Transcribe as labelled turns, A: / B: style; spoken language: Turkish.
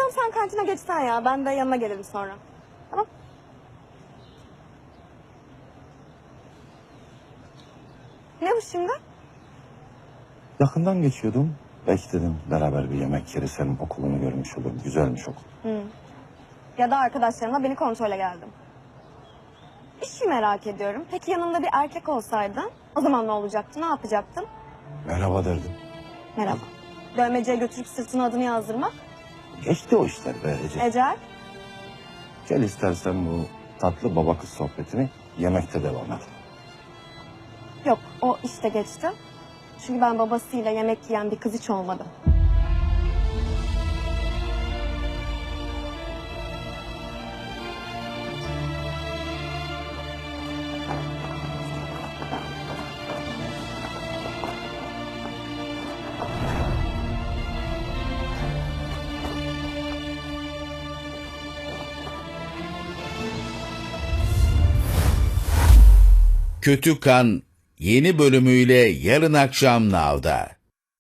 A: Tamam sen kantine geçsen ya. Ben de yanına gelirim sonra. Tamam. Ne bu şimdi?
B: Yakından geçiyordum. Belki dedim beraber bir yemek yeriz, senin okulunu görmüş olurum. Güzelmiş okul.
A: Ya da arkadaşlarımla beni kontrole geldim. Bir şey merak ediyorum. Peki yanında bir erkek olsaydı o zaman ne olacaktı? Ne yapacaktın?
B: Merhaba derdim.
A: Merhaba. Dövmeciye götürüp sırtına adını yazdırmak.
B: Geçti o işler be Ece.
A: Ecel.
B: Gel istersen bu tatlı baba kız sohbetini yemekte devam et.
A: Yok o işte geçti. Çünkü ben babasıyla yemek yiyen bir kız hiç olmadım.
C: Kötü Kan yeni bölümüyle yarın akşam Now'da.